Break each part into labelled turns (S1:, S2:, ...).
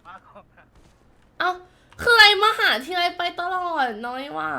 S1: เอ้าคืออะไรมาหาทีไรไปตลอดน้อยว่า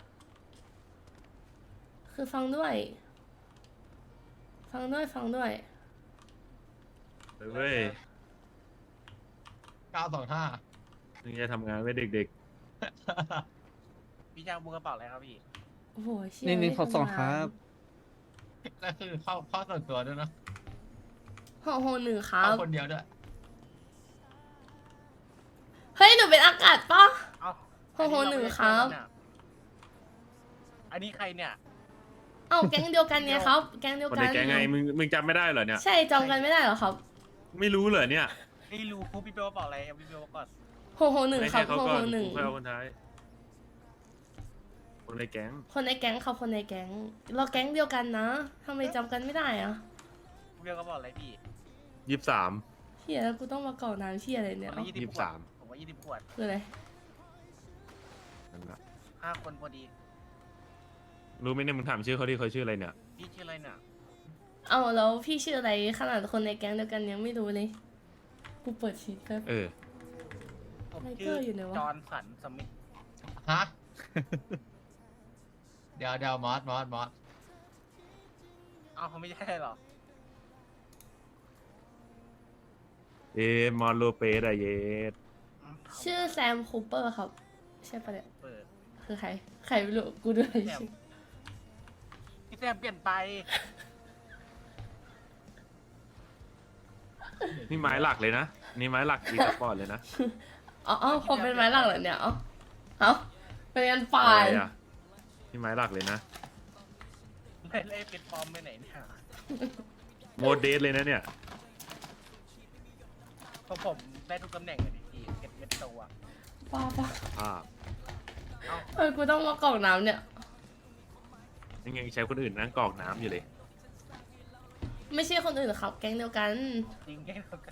S1: คือฟังด้วย ฟังด้วยฟังด้วย
S2: เว้ย
S3: 925
S2: มึงจะทำงานไว้เด็ก
S4: พี่จ้างบุกกระเป๋าอะไรครับพี่
S1: โอ้โหเชี่ย
S5: 1 1 6 2 ครับ
S3: ก็คือเข้าส่วนตัวด้วยนะ
S1: 661ครับ
S3: เข้าคนเดียวด้วย
S1: เฮ้ยหนูเป็นอากาศปะ
S4: เอ้า
S1: 661ครับ
S4: อันนี้ใครเนี่ย
S1: เอ้าแก๊งเดียวกันไงครับ แก๊งเดียว
S2: ๆคน
S1: กั
S2: ใน
S1: น
S2: แก๊งไงมึงจำไม่ได้เหรอเนี่ย
S1: ใช่จำกันไม่ได้เหรอครับ
S2: ไม่รู้เหรอเนี่ย
S4: นี่รู้พี่เปลกระเป๋าอะไรครับพี่เปลก่อน
S1: 661ครับ
S2: ไม่ใช่เขาก่อนกู
S1: 661
S2: ค่อยเอาคนท้ายคนในแก๊ง
S1: คนในแก๊งครับคนในแก๊งเราแก๊งเดียวกันนะทำไมจำกันไม่ได้อะ
S4: พี่เปลกระเป๋าอะไรพี่
S2: 23
S1: เฮียแล้วกูต้องมากรอกน้ำเฮียอะไรเนี่ย
S4: ผมว่า
S1: เอ้า
S4: 20 ขวด
S2: 23
S4: ผมว่า20 ขวด
S1: คืออะไร
S2: นั่นแหละ
S4: 5 คนพอดี
S2: รู้ไหมเนี่ยมึงถามชื่อเขาดิเขาชื่ออะไรเนี่ย
S4: พี่ชื่ออะไรเนี่ย
S1: เอ้าแล้วพี่ชื่ออะไรขนาดคนในแก๊งเดียวกันยังไม่รู้เลยกูเปิดชีทแป๊บ
S2: เออ
S4: ผม
S1: ไทเก
S4: ชื่
S1: อ
S4: อ
S1: ร์อยู่ไหนวะ
S4: จอห์นสันสมิธ
S3: ฮะ เดี๋ยวมอส
S4: เอ้าเขาไม่ใช่หรอ
S2: มอนโลเปสอะเยส
S1: ชื่อแซมคูเปอร์ครับใช่ปะเนี่ย
S4: เปิด
S1: คือใครใครไม่รู้กูด้วย
S4: แซมพี่แซมเปลี่ยนไป
S2: นี่ไม้หลักเลยนะ นี่ไม้หลักอีสปอร์ตเลยนะ
S1: อ๋อผมเป็นไม้หลักเหรอเนี่ยเอ้าเป็นกันฝ่า
S2: อะ
S1: ย
S2: ไรอะนี่ไม้หลักเลยนะ
S4: เล่เป็นฟอร์มไปไหนเนี่ย
S2: โมเดสเลยนะเนี่ย
S4: เพราะผมได้ทุกตำแหน่งเลยพี่เก็บเม็ดตัว
S1: ป้า
S2: อ่า
S1: เออกูต้องมากรอกน้ำเนี่ย
S2: ยังไงใช้คนอื่นนั่งกรอกน้ำอยู่เลย
S1: ไม่ใช่คนอื่นครับ แก๊งเดียวกัน
S4: จริงแค่เดียวกัน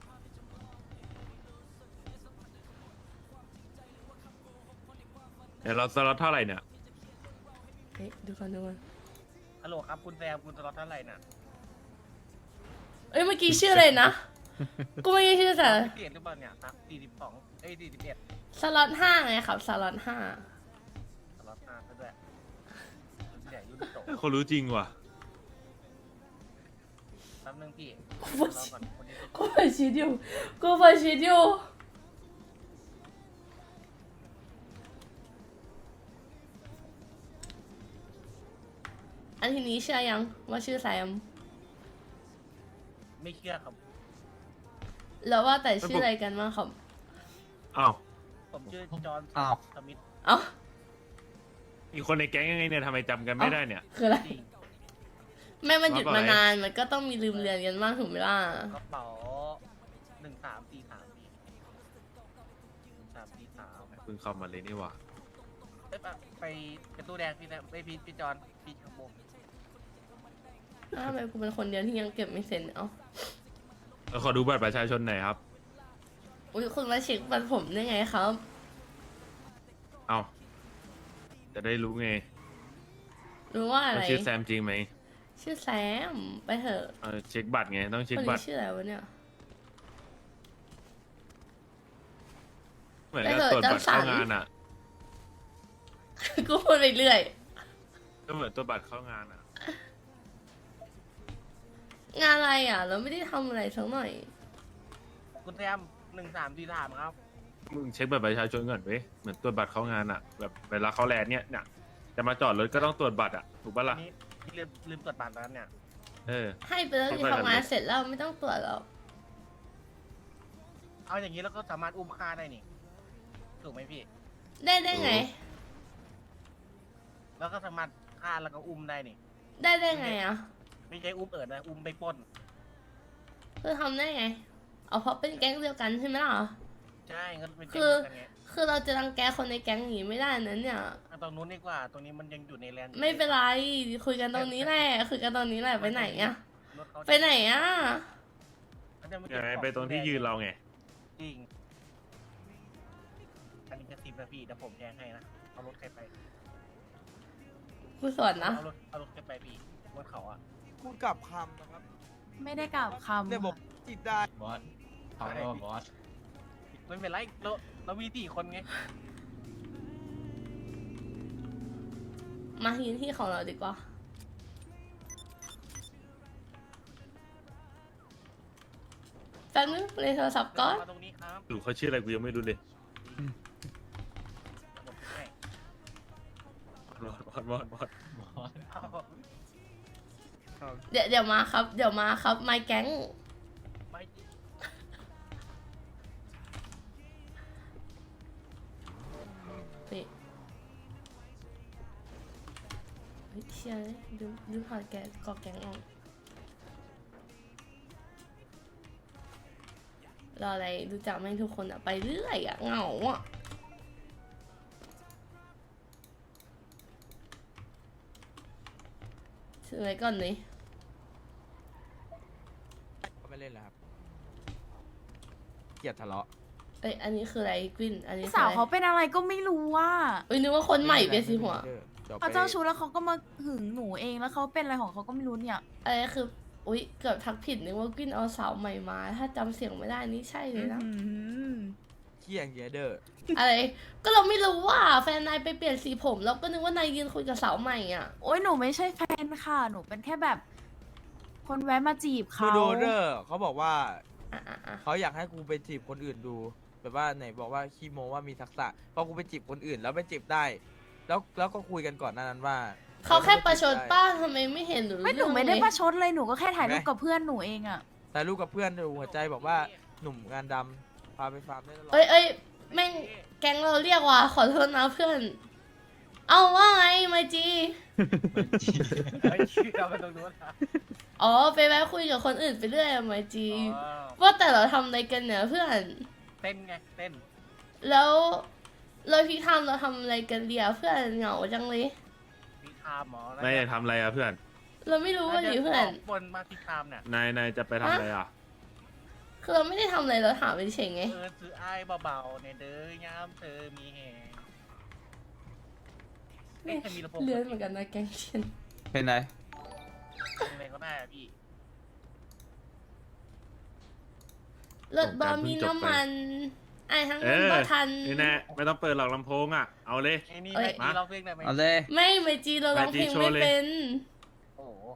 S2: เดี๋ยวเราสล็อตเท่าไหร่เนี่ย
S1: เฮ้ยดูก่อน
S4: ฮัลโหลครับคุณแซมคุณสล็อตเท่าไหร่น่ะ
S1: เอ้ยเมื่อกี้ชื่ออะไรนะ กูไม่ได้ชื่อแต่
S4: เปลี่ยนหรือเปล่าเนี่ยครับ42 41
S1: สล็อต5ไงครับสล็อต5
S4: สล็อต5ซะด้วยรุ่นใหญ่รุ่นโต
S2: เขารู้จริงว่ะ
S4: แป๊บนึงพี่
S1: กู
S4: ร
S1: เปิ
S4: อ
S1: ด
S4: ก่อนคนนี้
S1: กูเปิดชีทอยู่กูเปิดชีทอยู่อันทีนี้เชื่อยังว่าชื่อแซม
S4: ไม่เชื่อครับ
S1: แล้วว่าแต่ชื่ออะไรกันบ้างครับ
S2: อ้าว
S4: ผมชื่อจอห์น
S5: อ้าว
S4: สมิธ
S1: เอ้า
S2: อีกคนในแก๊งยังไงเนี่ยทำไมจำกันไม่ได้เนี่ย
S1: คืออะไร
S4: จริง
S1: แม่มันหยุดมานานมันก็ต้องมีลืมเรียนกันบ้างถูกไหมล่ะ
S4: กระเป๋า1343พี่1343
S2: เพิ่งเข้ามาเลยนี่หว่า
S4: เอ้ยไปเป็นตู้แดงพี่แซมไปพี่จอห์นพี่ขโมย
S1: ทำไมกูเป็นคนเดียวที่ยังเก็บไม่เสร็จเอ้า
S2: ขอดูบัตรประชาชนหน่อยครับ
S1: อุ้ยคุณมาเช็คบัตรผมได้ไงครับ
S2: เอาจะได้รู้ไง
S1: รู้ว่าอะไร
S2: ว่าชื่อแซมจริงไหม
S1: ชื่อแซมไปเถอะ
S2: เช็คบัตรไงต้องเช็ค
S1: คน
S2: บั
S1: นี้
S2: ตร
S1: ชื่ออะไรวะเนี่ย
S2: เหมือนกับตรวจบัตรเข้างานอ่ะ
S1: กูพูดไปเรื่อย
S2: ก็เหมือนตรวจบัตรเข้างานอ่ะ
S1: งานอะไรอ่ะ เราไม่ได้ทำอะไรสักหน่อย
S4: คุณแซม1343ครับ
S2: มึงเช็คบัตรประชาชนก่อนเว้ยเหมือนตรวจบัตรเข้างานอ่ะแบบเวลาเขาแลนด์เนี่ยจะมาจอดรถก็ต้องตรวจบัตรอ่ะถูกปะ
S4: อั
S2: ล่ะ
S4: นนี้พี่ลืมตรวจบัตรแล้วเนี่ย
S2: เออ
S1: ให้ไปแล้วที่ทำงานเสร็จแล้วไม่ต้องตรวจแล้ว
S4: เอาอย่างนี้แล้วก็สามารถอุ้มฆ่าได้นี่ถูกไหมพี่
S1: ได้ไง
S4: แล้วก็สามารถฆ่าแล้วก็อุ้มได้นี่
S1: ได้ไงอ่ะ
S4: ไม่ใช่อุ้มนะ อุ้มไปปล้น
S1: คือทำได้ไง เอาเพราะเป็นแก๊งเดียวกันใช่ไหมล่ะ
S4: ใช่ก็เป็น
S1: คือ
S4: แก๊งกันไง
S1: คือเราจะรังแกคนในแก๊งอย่างนี้ไม่ได้นั้นเนี่ย
S4: เอาตรงนู้นดีกว่า ตรงนี้มันยังอยู่ในแลนด์อยู่
S1: ไม่เป็นไร คุยกันตรงนี้แหละ คุยกันตรงนี้แหละ ไปไหนอ่ะ
S4: รถเขา
S1: ไปไหนอ่ะ
S4: เขาจะม่
S2: ยังไงไปตรงที่ยืนเราไง
S4: จริง อันนี้จะ10 นาทีเดี๋ยวผมแจ้งให้นะ เอารถใครไป
S1: กูสอนนะ
S4: เอารถใครไปพี่บนเขาอ่ะ
S6: พูดกลับคำนะครับ
S7: ไม่ได้กล่าวคำ
S6: เนี่ยบอกจิตได้
S3: บอสเอาแล้วบอส
S4: จไม่เป็นไรเรามี4 คนไง
S1: มายืนที่ของเราดีกว่าแป๊บนึงเลยโทรศัพท์ก่อน
S4: มาตรงนี้ครับ
S2: หรือเขาชื่ออะไรกูยังไม่รู้เลย
S4: ผมให้
S2: มอด
S3: มอส
S4: เอา
S1: เดี๋ยวมาครับ เดี๋ยวมาครับ my gang
S4: ไม่
S1: นี่เฮ้ยเชี่ยเลยดูผ่านแกกอแกงออกรออะไรดูจักแม่งทุกคนอะไปเรื่อยอะเหงาอะซื้ออะไรก่อนเลย
S5: ไม่เล่นแล้วครับเกลียดทะเลาะ
S1: เอ้ยอันนี้คืออะไรกวินอันนี้
S6: พี่
S1: คือ
S6: สาว
S1: อะไร
S6: เขาเป็นอะไรก็ไม่รู้ว่า
S1: เอ้ยนึกว่าคนใหม่เปลี่ยนสีหัว
S6: เขาเจ้าชู้แล้วเขาก็มาหึงหนูเองแล้วเขาเป็นอะไรของเขาก็ไม่รู้เนี่ย
S1: อะไรคืออุ๊ยเกือบทักผิดนึกว่ากวินเอาสาวใหม่มา ถ้าจำเสียงไม่ได้นี่ใช่เลยนะ
S6: อื้อหือ
S5: เขี้ยงเยเดอร์
S1: อะไรก็เราไม่รู้ว่าแฟนนายไปเปลี่ยนสีผมเราก็นึกว่านายยืนคุยกับสาวใหม่อ่ะ
S6: โอ๊ยหนูไม่ใช่แฟนค่ะ หนูเป็นแค่แบบ คนแวะมาจีบ
S5: คือ
S6: เขา
S5: โดเดอร์เขาบอกว่า
S1: อ่ะ
S5: เขาอยากให้กูไปจีบคนอื่นดู แบบว่าไหนบอกว่าขี้โมว่ามีทักษะพอกูไปจีบคนอื่นแล้วไปจีบได้ แล้วก็คุยกันก่อนหนานั้นว่า
S1: เขาแค่ประชดป้าทำไมไม่เห็นหรือ
S6: ไม่หนูไม่ได้ประชดเลยหนูก็แค่ถ่ายรูปกับเพื่อนหนูเองอะ
S5: แต่ลูกกับเพื่อนดูหัวใจบอกว่าหนุ่มงานดำพาไปฟาร์มได้ตลอด
S1: เอ้ยแม่งแก๊งเราเรียกว่าขอโทษนะเพื่อน เอาว่าไงมาจี
S4: ไม่ชื่อเราไปตรงนู้นนะ
S1: อ๋อไปแวะคุยกับคนอื่นไปเรื่อยอะมาจี
S4: อ๋อ
S1: ว่าแต่เราทำอะไรกันเนี่ยเพื่อน
S4: เต้นไงเต้น
S1: แล้วพี่ทำเราทำอะไรกันเดียวเพื่อนเหงาจังเลย
S4: พี่คามหมอ
S2: นายอยากทำอะไรอ่ะเพื่อน
S1: เราไม่รู้ว่าดิเพื่อน
S4: บนมาพี่คามเนี่ย
S2: นายจะไปทำอะไรอ่ะ
S1: คือเราไม่ได้ทำอะไรเราถามเฉยๆไง
S4: ซื้อไอ้ายเบาๆในเด้อยามเธอมีแหงเอ๊ะมีลำโพง
S1: เลื่อนเหมือนกันนะแกงเชียน
S5: เป็นไร
S4: อะไรก็ได้อะพี่
S1: รถบอมีน้ำมันไอ้ทั้ง
S2: เอ
S1: นั้น
S2: อ
S1: บ่ทัน
S2: นี่แน่ไม่ต้องเปิดหรอกลำโพงอ่ะ เอาเลย
S4: ไอ้นี่
S1: เอ้ย
S4: แม่จีร้องเพลงได้ไหม
S5: เอาเลย
S1: ไม่เมจีเราร้องเพลง
S2: เมจิโชว์
S1: ไม่
S2: เลย
S1: เป็น
S4: โอ้โห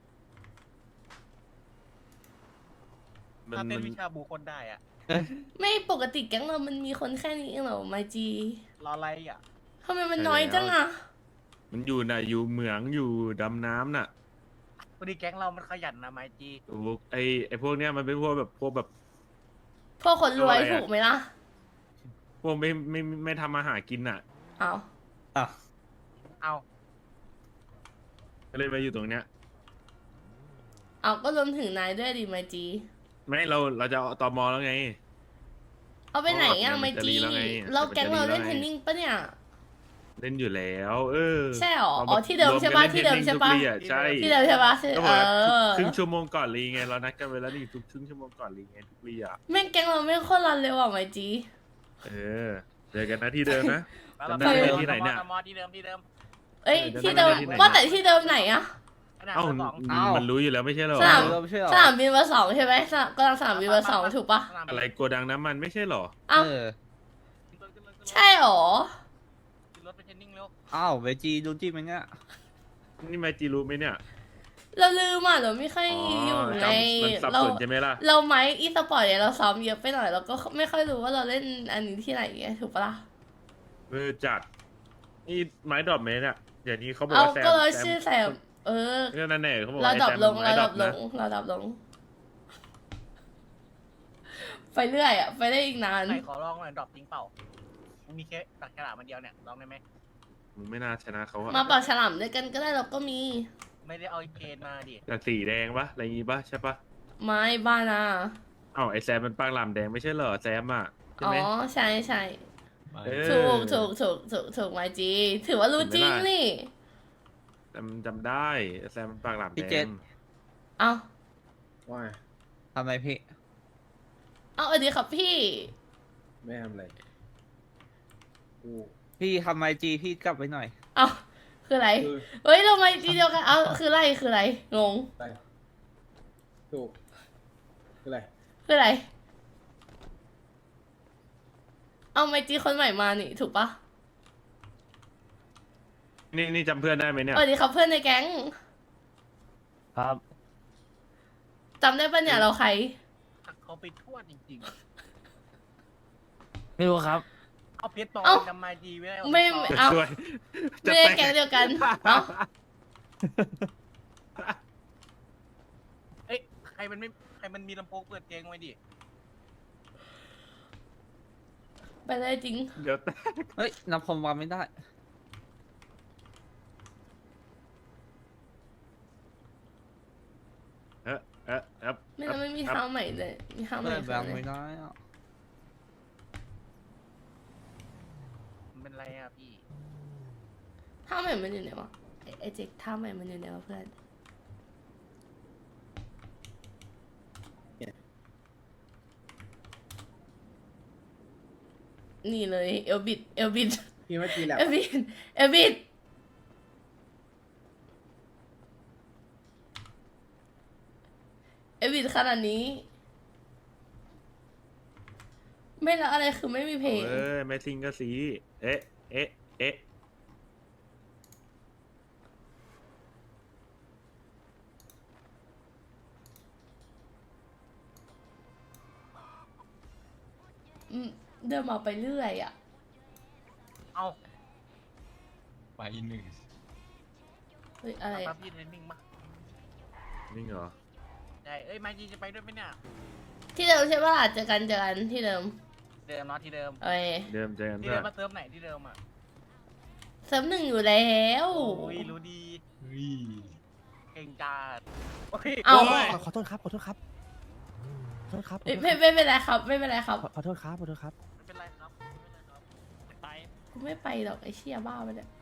S2: มัน
S4: ถ้าเต้น
S2: มัน
S4: วิชาบูคนได้อะ
S1: ไม่ปกติแก๊งเรามันมีคนแค่นี้เองเหรอไมจี
S4: รออะไรอ่ะ
S1: ทำไมมันน้อยจังอ่ะ
S2: มันอยู่น่ะอยู่เหมืองอยู่ดำน้ำน่ะ
S4: พอดีแก๊งเรามันขยันนะไมจี
S2: โอ้โหไอพวกเนี้ยมันเป็นพวกแบบพวก
S1: พวกคนรวย
S2: อะไรอะ
S1: ถูกไหมล่ะ
S2: พวกไม่ทำมาหากินอ่ะ
S1: เอา
S4: เอา
S2: ก็เลยมาอยู่ตรงเนี้ย
S1: เอาก็รวมถึงนายด้วยดิไมจี
S2: ไม่เราจะเอาตมแล้วไง
S1: เอาไปไหนอ่ะ
S2: มัน
S1: ไม
S2: จะ
S1: จี
S2: รีแล้วไง
S1: เราแก๊งเราเล่น
S2: มันจะรีแล้วไง
S1: เทนนิงปะเนี่ย
S2: เล่นอยู่แล้ว เออ
S1: ใช่หรอ
S2: รา
S1: อ๋อที่เดิมใช่ปะ
S2: รวกัน
S1: ที่เดิม
S2: ล่น
S1: ใช่ปะ
S2: ทุกลี่ใช่
S1: ที่เดิมใช่ปะใช่
S2: ก็บ
S1: เอ
S2: อกว่า
S1: อ
S2: ครึ่งชั่วโมงก่อนลีไงเรานัดกันไว้แล้วนี่ทุกครึ่งชั่วโมงก่อนลีไงทุกลีอ่ะ
S1: แม่งแก๊งเราไม่โคตรรันเลยว่ะไมจี
S2: เออเจอกันนะที่เดิมนะ
S4: แล้วเรา
S2: จำได้
S1: ไหม
S2: ที่ไหนเนี่ย
S4: ตมที่เดิมที่เดิม
S1: เอ้ย
S2: เออ
S1: ที่เดิม
S2: ที่ไหน
S1: ว่าแต่ที่เดิมไหนอะ
S4: ขนาด
S2: เอ้า
S4: สอง
S2: มันรู้อยู่แล้วไม่ใช่เหรอ
S1: สนาม
S5: เราไม่ใช่หรอ
S1: สนามบินเบอร์สองใช่ไหมกำลังสนามบินเบอร์สองถูกปะ
S2: อะไรโกดังน้ำมันไม่ใช่เหรอ
S1: เอ้า
S5: เออ
S1: ใช่หรอ
S4: ขึ้นรถไปเทรนนิ่งเร็ว
S5: อ้าวเวจีดูจิ้มมันเงี้ย
S2: นี่มาจีรู้ไหมเนี่ย
S1: เราลืมอ่ะเราไม่ค่อย
S2: อ๋อ
S1: อยู่ใน
S2: จำมันสับ
S1: เรา
S2: สนใช่ไหมล่ะ
S1: เราไม้อีสปอร์ตเนี่ยเราซ้อมเยอะไปหน่อยเราก็ไม่ค่อยรู้ว่าเราเล่นอันนี้ที่ไหนไงถูกปะล่ะ
S2: เออจัดนี่ไม้ดรอปเมนอ่ะเดี๋ยวนี้เขาบอก
S1: เอา
S2: ว่าแซม
S1: ก็เราชื่อแซมเออ
S2: เนี่ยนั่นแน่เขาบอก
S1: เรา
S2: ไอ้
S1: ดับ
S2: แซม
S1: ลง
S2: ไม้
S1: เรา
S2: ดร
S1: ดั
S2: อป
S1: บล
S2: นะ
S1: งเราดับลง ไปเรื่อยอ่ะไปได้อีกนาน
S4: ไหนขอลองหน่อยดรอปจริงเปล่ามันมีแค่ตักกระดาษมันเดียวเนี่ยลองได้ไหม
S2: มึงไม่น่าชนะเขาอะ
S1: มาปากฉลามด้วยกันก็ได้เราก็มี
S4: ไม่ได้เอาเกณฑ์มาดิ
S2: แต่สีแดงปะอะไรงี้ปะใช่ปะ
S1: ไม้บ้านะ
S2: เอ้าไอแซมมันปากหลามแดงไม่ใช่เหรอแซมอ่ะใช่
S1: อ๋อ
S2: ไหม
S1: ใช่ใช่
S2: เออ
S1: ถูกไมจีถือว่ารู้จริงนี่
S2: จำได้แซมมันปากหลาม
S5: พี่
S2: แด
S5: เจ็
S2: ง
S5: ด
S1: เอา
S7: ว่า
S5: ทำอะไรพี่
S1: เอาสวัสดีครับพี่
S7: ไม่ทำอะไรกู
S5: พี่ทำไมจีพี่กลับไปหน่อย
S1: เอาคืออะไร
S7: คือ
S1: เฮ้ยเราไมจีเดียวกันเอาคืออะไรคืออะไรงง
S7: อะไรถูกคืออะไร
S1: คืออะไร
S7: ถ
S1: เอาไมจีคนใหม่มานี่ถูกปะ
S2: นี่จำเพื่อนได้ไหมเนี่ย
S1: สวัสดีครับเพื่อนในแก๊ง
S8: ครับ
S1: จำได้ปะเนี่ยเราใคร
S4: เขาไปทั่วจริง
S8: ไม่รู้ครับ
S4: ๆ เอาเพชรปลอม
S1: เอ้า
S4: จำมาดีไม่ได้
S1: ไม่
S4: เอาเพชรปลอม
S1: เอา
S2: ช่วย
S1: ไม่ได้แก๊งเดียวกันเอ้า
S4: เอ้ยใครมันมีลำโพงเปิดเพลงไว้ดิ
S1: ไปได้จริง
S2: เดี๋ยว
S8: เฮ้ยนับผมวางไม่ได้
S1: ไม่แล้วไม่มีเท้าใหม่เลยมีเท้าใหม่
S8: เปิด
S1: คือ
S8: วาง
S1: อะไร
S8: ไม่ได้อะ
S4: มันเป็นไรอ่ะพี่
S1: เท้าใหม่มันอยู่ไหนวะไอเจ๊กเท้าใหม่มันอยู่ไหนวะเพื่อนนี่เลยเอลบิด
S7: พี่เมื่อกี้แหละ
S1: เอลบิดเอลบิดขนาดนี้ ไม่แล้วอะไรคือไม่มีเพลง
S2: เออแม่ซิงก็สีเอ๊ะเอ๊ะเอ๊ะ
S1: เดินมาไปเรื่อยอ่ะ
S4: เอา
S3: ไปหนึ่ง
S1: เฮ้ยอะไร
S4: ปั๊
S1: อะ
S4: บพี่เทรนนิ่งมา
S2: นี่เหรอ
S4: ได้เอ้ยมาจีจะไปด้วยไหมเนี่ย
S1: ที่เดิมใช่ป่ะเจอกันที่เดิม
S4: เดิมเนาะที่เดิม
S1: เอ้ย
S2: เดิมเจอกัน
S4: ที่
S2: เพื่
S4: เดิ
S2: อ
S4: มมาเติมไหนที่เดิมอ่ะ
S1: เสริมหนึ่งอยู่แล้ว
S4: โอ้ยรู้ดีเก่งจัดโอ้ย
S1: เอา
S4: โย
S9: ขอโทษครับ ขอโทษครับ ขอโทษครับ
S1: ไม่เป็นไรครับ ไม่เป็นไรครับ
S9: ขอโทษครับ ขอโทษครับ
S4: ไม่เป็นไรครับไม่เป็นไรครับ
S1: กูไม่ไปหรอกไอเชี่ยบ้าไปเนี่ย